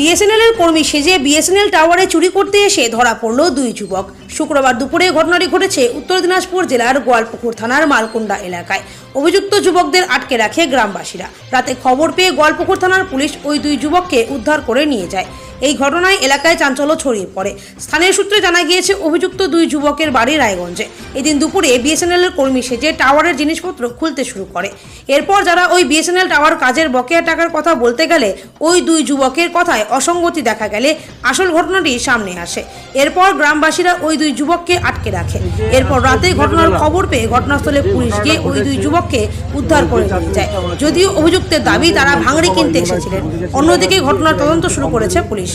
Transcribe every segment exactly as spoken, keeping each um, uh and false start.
BSNL এর কর্মী সেজে বিএসএনএল টাওয়ারে চুরি করতে এসে ধরা পড়ল দুই যুবক। শুক্রবার দুপুরে ঘটনাটি ঘটেছে উত্তর দিনাজপুর জেলার গোয়ালপুকুর থানার মালকুন্ডা এলাকায়। অভিযুক্ত যুবকদের আটকে রাখে গ্রামবাসীরা। রাতে খবর পেয়ে গোয়ালপুকুর থানার পুলিশ ওই দুই যুবককে উদ্ধার করে নিয়ে যায়। এই ঘটনায় এলাকায় চাঞ্চল্য ছড়িয়ে পড়ে। স্থানীয় সূত্রে জানা গিয়েছে অভিযুক্ত দুই যুবকের বাড়ি রায়গঞ্জে। এদিন দুপুরে বিএসএনএল এর কর্মী সেজে টাওয়ারের জিনিসপত্র খুলতে শুরু করে। এরপর যারা ওই বিএসএনএল টাওয়ার কাজের বকেয়া টাকার কথা বলতে গেলে ওই দুই যুবকের কথায় অসঙ্গতি দেখা গেলে আসল ঘটনাটি সামনে আসে। এরপর গ্রামবাসীরা ওই দুই যুবককে আটকে রাখে। এরপর রাতে ঘটনার খবর পেয়ে ঘটনাস্থলে পুলিশ গিয়ে ওই দুই যুবককে উদ্ধার করে নিয়ে যায়। যদিও অভিযুক্তের দাবি তারা ভাঙড়ি কিনতে এসেছিলেন। অন্যদিকে ঘটনার তদন্ত শুরু করেছে পুলিশ।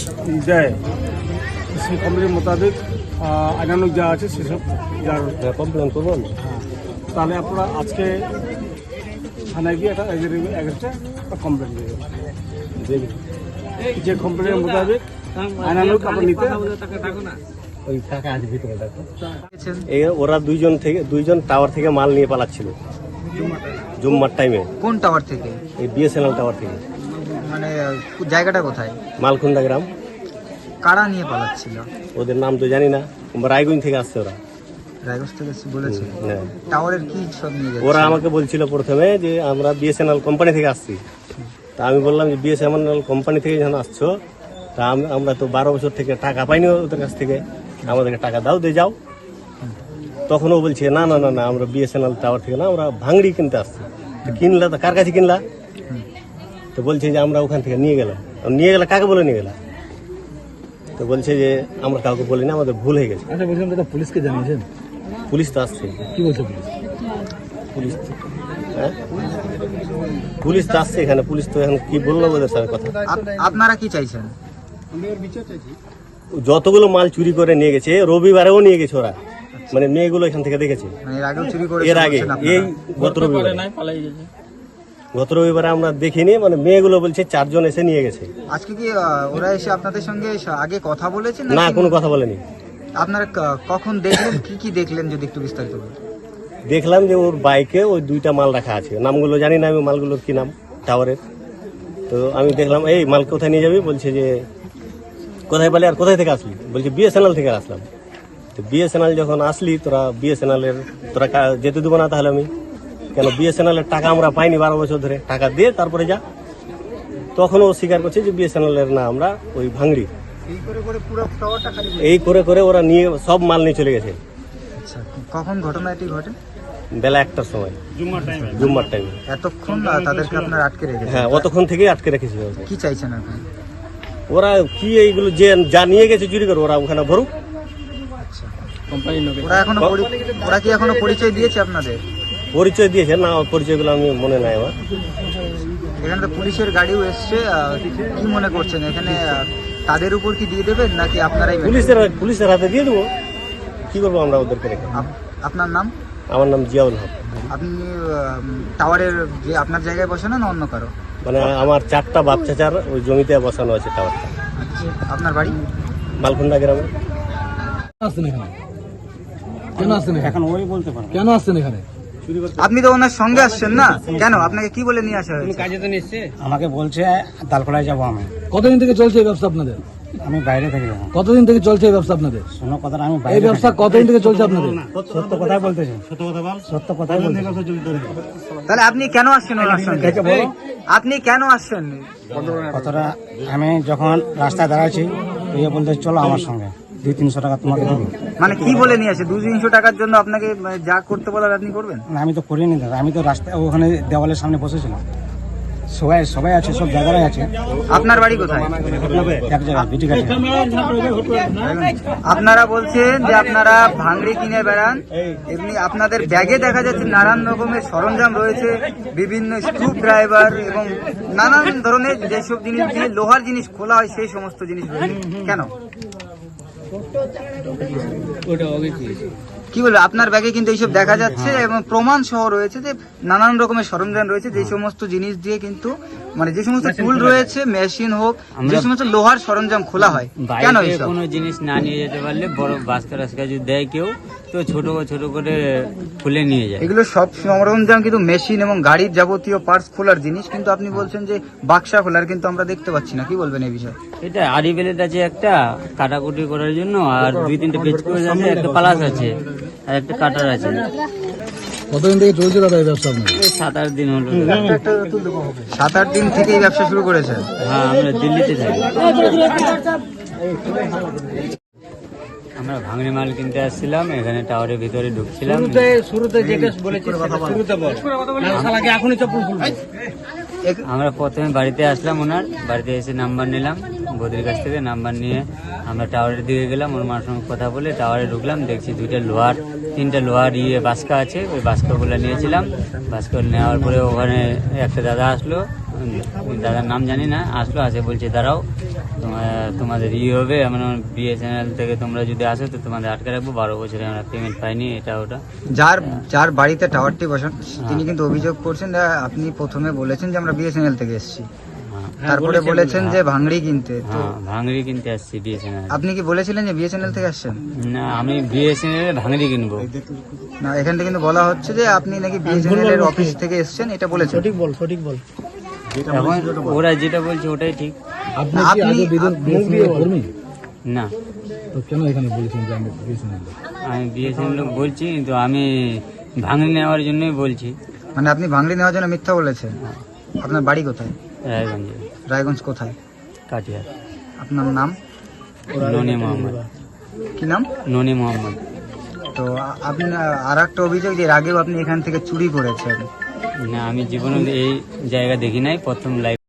কমপ্লেন মোতাবেক আইনানুক যা আছে সেসব যার কমপ্লেন করবেন, তাহলে আপনারা আজকে থানায় গিয়ে একটা এগেনস্টে কমপ্লেন দেবেন। যে কমপ্লেনের মোতাবেক আইনানুক আপনার নিতে ওই টাকা আছে ভিতরে দেখো। এই ওরা দুইজন থেকে দুইজন টাওয়ার থেকে মাল নিয়ে পালাচ্ছিল জুম্মার টাইমে। কোন টাওয়ার থেকে? এই বিএসএনএল টাওয়ার থেকে। মানে জায়গাটা কোথায়? মালকুন্ডা গ্রাম। কারা নিয়ে পালাচ্ছিল? ওদের নাম তো জানি না, রায়গঞ্জ থেকে আসছে ওরা। রায়গঞ্জ থেকে বলেছে? হ্যাঁ। টাওয়ারের কি সব নিয়ে যাচ্ছে? ওরা আমাকে বলছিল প্রথমে যে আমরা বিএসএনএল কোম্পানি থেকে আসছি। তা আমি বললাম যে বিএসএনএল কোম্পানি থেকে যখন আসছো, তা আমরা তো বারো বছর থেকে টাকা পাইনি ওদের কাছ থেকে, আমাদেরকে টাকা দাও দিয়ে যাও। তখন ও বলছে না না না না আমরা বিএসএনএল টাওয়ার থেকে না, আমরা ভাঙড়ি কিনতে আসছি। কিনলা তো কার কাছে কিনলা? তো বলছে যে আমরা ওখান থেকে নিয়ে গেলাম। নিয়ে গেলে কাকে বলে নিয়ে গেলাম? তো বলছে যে আমরা কাউকে বলি না, আমাদের ভুল হয়ে গেছে। আচ্ছা, বলছিলাম দাদা পুলিশকে জানিয়েছেন? পুলিশ তো আসছে। কি বলছে পুলিশ? পুলিশ হ্যাঁ পুলিশ তো আসছে এখানে। পুলিশ তো এখন কি বললো ওদের সাথে কথা। আপনারা কি চাইছেন? যতগুলো মাল চুরি করে নিয়ে গেছে, রবিবারেও নিয়ে গেছে ওরা, মানে মেয়েগুলো এখান থেকে দেখেছে এর আগে। এই গত রবিবারে গত রবিবারে আমরা দেখিনি, মানে মেয়েগুলো বলছে চারজন এসে নিয়ে গেছে। আজকে কি ওরা এসে আপনাদের সঙ্গে আগে কথা বলেছেন? না, কোনো কথা বলেনি। আপনারা কখন দেখলেন, কি কি দেখলেন যদি একটু বিস্তারিত বলেন? দেখলাম যে ওর বাইকে ওই দুইটা মাল রাখা আছে, নামগুলো জানি না আমি, মালগুলোর কি নাম টাওয়ারের। তো আমি দেখলাম এই মাল কোথায় নিয়ে যাবি? বলছে যে কোথায় পেলে আর কোথায় থেকে আসলি? বলছে বিএসএনএল থেকে আসলাম। তো বিএসএনএল যখন আসলি তোরা বিএসএনএল এর তোরা যেতে দেবো না তাহলে আমি কেন? বিএসএনএল এর টাকা আমরা পাইনি বারো বছর ধরে, টাকা দিয়ে তারপরে যা। তখন ও স্বীকার করছে যে বিএসএনএল এর না, আমরা ওই ভাঙড়ি। এই করে করে ওরা নিয়ে সব মাল নিয়ে চলে গেছে। কখন ঘটনা এটি ঘটে? বেলা একটার সময়, জুম্মার টাইমে। এতক্ষণ তাদেরকে আপনারা আটকে রেখেছেন? হ্যাঁ, অতক্ষণ থেকেই আটকে রেখেছি। কি চাইছেন এখন? ওরা কি এইগুলো যে যা নিয়ে গেছে চুরি করে ওরা ওখানে ভরুক। ওরা এখনো ওরা কি এখনো পরিচয় দিয়েছে আপনাদের? পরিচয় দিয়েছে না, পরিচয়গুলো আমি মনে নাই আমার। এখানে তো পুলিশের গাড়িও এসছে, কি মনে করছেন এখানে তাদের উপর কি দিয়ে দেবেন নাকি আপনারাই? পুলিশের পুলিশের হাতে দিয়ে দেবো, কি করবো আমরা ওদেরকে রেখে। আপনার নাম? আমার নাম জিয়াউল হক। আপনি টাওয়ারের যে আপনার জায়গায় বসানো না অন্য কারো? মানে আমার চারটা বাপ চাচার ওই জমিতে বসানো আছে টাওয়ারটা। আপনার বাড়ি মালকুন্ডা গ্রামে। আসছেন এখানে কেন? আসছেন এখন ওই বলতে পারেন কেন আসছেন এখানে? আপনি তো ওনার সঙ্গে আসছেন না কেন? আপনাকে কি বলে নিয়ে আসা হয়েছে? কাজে তো নিচ্ছে, আমাকে বলছে দালকোড়ায় যাবো আমি। কতদিন থেকে চলছে এই ব্যবসা আপনাদের? আমি বাইরে থেকে যাবো। কতদিন থেকে চলছে এই ব্যবসা আপনাদের? শোনো কথা, আমি এই ব্যবসা কতদিন থেকে চলছে আপনাদের? সত্য কথাই বলতেছি। সত্য কথা বল। সত্য কথাই বলতেছি। তাহলে আপনি কেন আসছেন ওনার সঙ্গে? আপনি কেন আসছেন? কথাটা আমি যখন রাস্তায় দাঁড়াচ্ছি, ইয়ে বলতে চলো আমার সঙ্গে, দুই তিনশো টাকা তোমাকে দেবো। মানে কি বলে নিয়ে আসে? দুই তিনশো টাকার জন্য আপনাকে যা করতে বলার আপনি করবেন? না, আমি তো করিনি দাদা। আমি তো রাস্তায় ওখানে দেওয়ালের সামনে বসেছিলাম। সবাই সবাই আছে, সব জায়গায় আছে। আপনার বাড়ি কোথায়? এক জায়গায় বিটি কাছে। আপনারা বলছেন যে আপনারা ভাঙড়ি কিনে বেড়ান, এমনি আপনাদের ব্যাগে দেখা যাচ্ছে নানান রকমের সরঞ্জাম রয়েছে, বিভিন্ন স্ক্রু ড্রাইভার এবং নানান ধরনের যেসব জিনিস দিয়ে লোহার জিনিস খোলা হয় সেই সমস্ত জিনিস রয়েছে। কেন? কি বলবো, আপনার ব্যাগে কিন্তু এইসব দেখা যাচ্ছে এবং প্রমাণ সহ রয়েছে যে নানান রকমের সরঞ্জাম রয়েছে, যে সমস্ত জিনিস দিয়ে কিন্তু মানে যে সমস্ত টুল রয়েছে, মেশিন হোক, যে সমস্ত লোহার সরঞ্জাম খোলা হয়। কেন এইসব? কোনো জিনিস না নিয়ে যেতে পারলে বড় বাস্কা রাস্কা যদি দেয় কেউ, তো ছোট ছোট করে খুলে নিয়ে যায়। এগুলো সব সরঞ্জাম কিন্তু মেশিন এবং গাড়ির যাবতীয় পার্টস খোলার জিনিস, কিন্তু আপনি বলছেন যে বাক্সা খোলার কিন্তু আমরা দেখতে পাচ্ছি না। কি বলবেন এই বিষয়ে? এটা আড়ি বেলেট আছে একটা কাটাকুটি করার জন্য, আর দুই তিনটে পেজ করে আছে, একটা পালাস আছে আর একটা কাটার আছে। কতদিন থেকে চলছে দাদা এই ব্যবসা আপনার? এই সাত আট দিন হলো। সাত আট দিন থেকে এই ব্যবসা শুরু করেছেন? হ্যাঁ, আমরা দিল্লিতে থাকি। আমরা ভাঙড়ি মাল কিনতে আসছিলাম, এখানে টাওয়ারের ভিতরে ঢুকছিলাম। শুরুতে যেটা বলেছি শুরুতে বল এখনই চপ্পল খুলবো। আমরা প্রথমে বাড়িতে আসলাম, ওনার বাড়িতে এসে নাম্বার নিলাম বৌদির কাছ থেকে। নাম্বার নিয়ে আমরা টাওয়ারের দিকে গেলাম, ওর মার সঙ্গে কথা বলে টাওয়ারে ঢুকলাম। দেখছি দুইটা লোহার তিনটা লোহার ইয়ে বাস্কা আছে, ওই বাস্কাগুলো নিয়েছিলাম। বাস্কা নেওয়ার পরে ওখানে একটা দাদা আসলো, দাদার নাম জানি না, আসলো আসে বলছে দাঁড়াও তোমার- তোমাদের ই হবে, আমরা বিএসএনএল থেকে তোমরা যদি আসো তো তোমাদের আটকে রাখবো, বারো বছরে আমরা পেমেন্ট পাইনি, এটা ওটা। যার যার বাড়িতে টাওয়ারটি বসান তিনি কিন্তু অভিযোগ করছেন যে আপনি প্রথমে বলেছেন যে আমরা বিএসএনএল থেকে এসেছি, হ্যাঁ, তারপরে বলেছেন যে ভাঙড়ি কিনতে। তো হ্যাঁ, ভাঙড়ি কিনতে আসছি বিএসএনএল। আপনি কি বলেছিলেন যে বিএসএনএল থেকে আসছেন? না, আমি বিএসএনএল ভাঙড়ি কিনবো। না, এখান থেকে কিন্তু বলা হচ্ছে যে আপনি নাকি বিএসএনএল এর অফিস থেকে এসেছেন, এটা বলেছেন। সঠিক বল সঠিক বল এখন ওরা যেটা বলছে ওটাই ঠিক। আপনি কি আপনি- আগে বিএসএনএল কর্মী? না, তো কেন এখানে বলেছেন যে আমি বিএসএনএল? আমি বিএসএনএল বলছি, কিন্তু আমি ভাঙড়ি নেওয়ার জন্যই বলছি। মানে আপনি ভাঙড়ি নেওয়ার জন্য মিথ্যা বলেছেন? আপনার বাড়ি কোথায়? রায়গঞ্জে, রায়গঞ্জ কোথায়? কাটিয়ার। আপনার নাম ননি মোহাম্মদ। কি নাম? ননি মোহাম্মদ। তো আ- আপনি আর একটা অভিযোগ যে এর আগেও আপনি এখান থেকে চুরি করেছেন। না, আমি জীবনে এই জায়গা দেখি নাই, প্রথম লাইফ